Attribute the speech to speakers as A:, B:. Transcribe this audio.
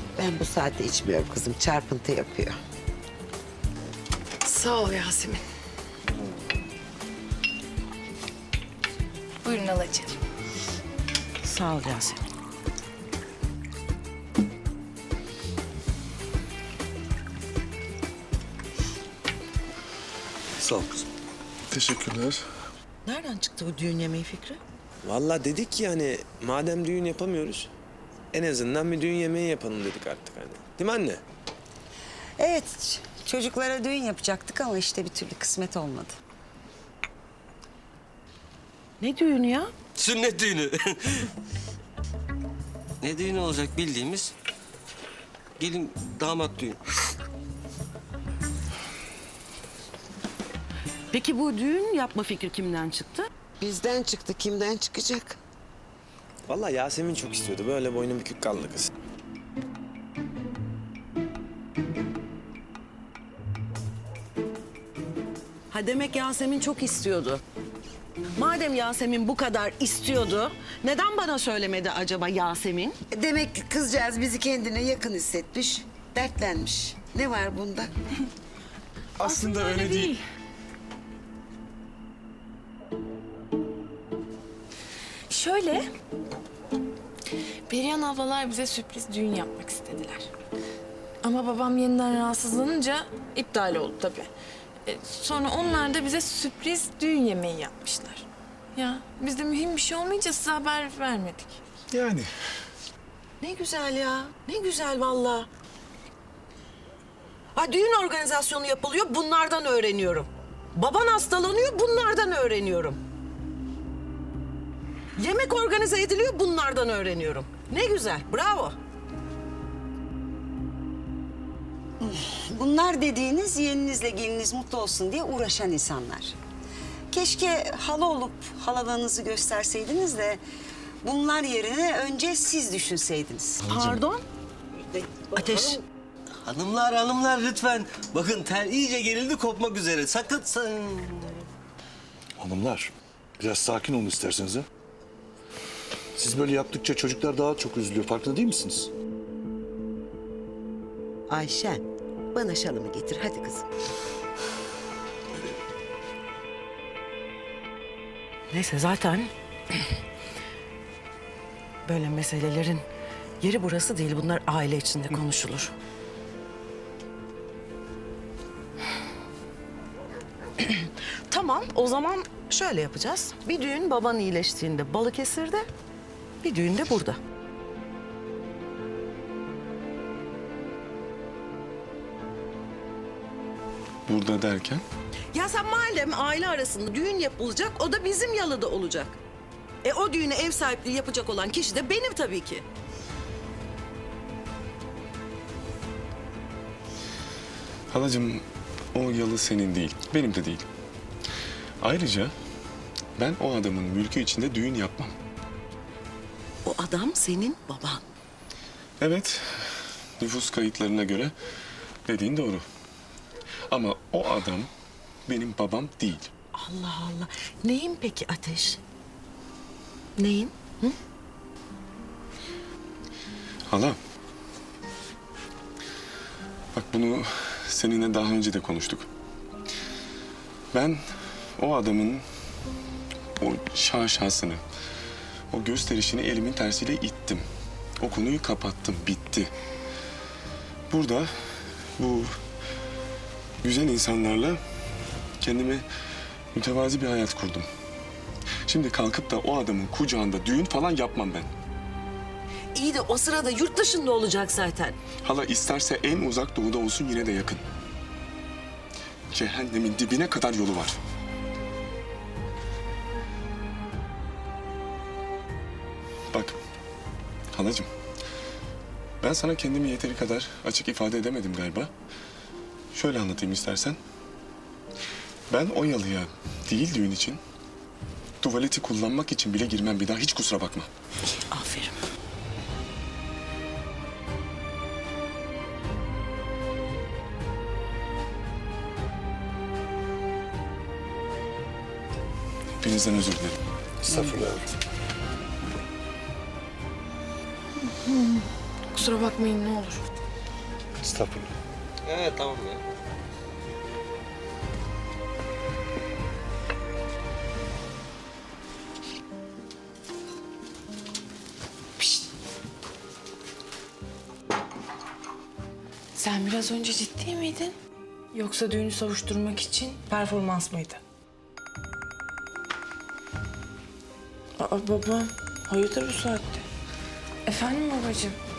A: Ben bu saatte içmiyorum kızım. Çarpıntı yapıyor.
B: Sağ ol Yasemin. Buyurun alacığım.
C: Sağ ol Yasemin.
D: Sağ ol kızım.
E: Teşekkürler.
C: Nereden çıktı bu düğün yemeği fikri?
D: Vallahi dedik ki hani madem düğün yapamıyoruz en azından bir düğün yemeği yapalım dedik artık hani. Değil mi anne?
F: Evet, çocuklara düğün yapacaktık ama işte bir türlü kısmet olmadı.
C: Ne düğünü ya?
G: Sünnet düğünü. Ne düğünü olacak bildiğimiz gelin damat düğün.
C: Peki bu düğün yapma fikri kimden çıktı?
A: Bizden çıktı. Kimden çıkacak?
D: Vallahi Yasemin çok istiyordu. Böyle boynu bükük kaldı kız.
C: Ha demek Yasemin çok istiyordu. Madem Yasemin bu kadar istiyordu, neden bana söylemedi acaba Yasemin?
A: Demek ki kızcağız bizi kendine yakın hissetmiş. Dertlenmiş. Ne var bunda?
E: Aslında öyle değil.
B: Şöyle, Perihan ablalar bize sürpriz düğün yapmak istediler. Ama babam yeniden rahatsızlanınca iptal oldu tabii. Sonra onlar da bize sürpriz düğün yemeği yapmışlar. Ya biz de mühim bir şey olmayınca size haber vermedik.
E: Yani.
C: Ne güzel ya, ne güzel vallahi. Ha düğün organizasyonu yapılıyor, bunlardan öğreniyorum. Baban hastalanıyor, bunlardan öğreniyorum. Yemek organize ediliyor, bunlardan öğreniyorum. Ne güzel, bravo.
F: Bunlar dediğiniz yeğeninizle geliniz mutlu olsun diye uğraşan insanlar. Keşke hala olup halalığınızı gösterseydiniz de bunlar yerine önce siz düşünseydiniz.
C: Pardon? Ateş.
G: Hanımlar lütfen. Bakın tel iyice gerildi kopmak üzere. Sakın
E: Hanımlar, biraz sakin olun isterseniz ha. Siz böyle yaptıkça çocuklar daha çok üzülüyor. Farkında değil misiniz?
A: Ayşen, bana şalımı getir. Hadi kızım.
C: Neyse zaten böyle meselelerin yeri burası değil. Bunlar aile içinde konuşulur. Tamam, o zaman şöyle yapacağız. Bir düğün baban iyileştiğinde Balıkesir'de, bir düğün de burada.
E: Burada derken?
C: Ya sen madem aile arasında düğün yapılacak, o da bizim yalıda olacak. O düğüne ev sahipliği yapacak olan kişi de benim tabii ki.
H: Halacığım, o yalı senin değil, benim de değil. Ayrıca ben o adamın mülkü içinde düğün yapmam.
C: O adam senin baban.
H: Evet, nüfus kayıtlarına göre dediğin doğru. Ama o adam benim babam değil.
C: Allah Allah. Neyin peki Ateş? Neyin?
H: Hala. Bak bunu seninle daha önce de konuştuk. Ben o adamın o şaşasını, o gösterişini elimin tersiyle ittim. O konuyu kapattım, bitti. Burada bu güzel insanlarla kendime mütevazi bir hayat kurdum. Şimdi kalkıp da o adamın kucağında düğün falan yapmam ben.
C: İyi de o sırada yurt dışında olacak zaten.
H: Hala isterse en uzak doğuda olsun yine de yakın. Cehennemin dibine kadar yolu var. Bak halacığım, ben sana kendimi yeteri kadar açık ifade edemedim galiba. Şöyle anlatayım istersen. Ben o yalıya değil düğün için, tuvaleti kullanmak için bile girmem bir daha, hiç kusura bakma.
C: Aferin.
H: Hepinizden özür dilerim.
E: Estağfurullah.
B: kusura bakmayın ne olur.
E: Estağfurullah.
G: Evet tamam ya.
B: Sen biraz önce ciddi miydin? Yoksa düğünü savuşturmak için performans mıydı? Aa babam, hayırdır bu saatte? Efendim babacığım?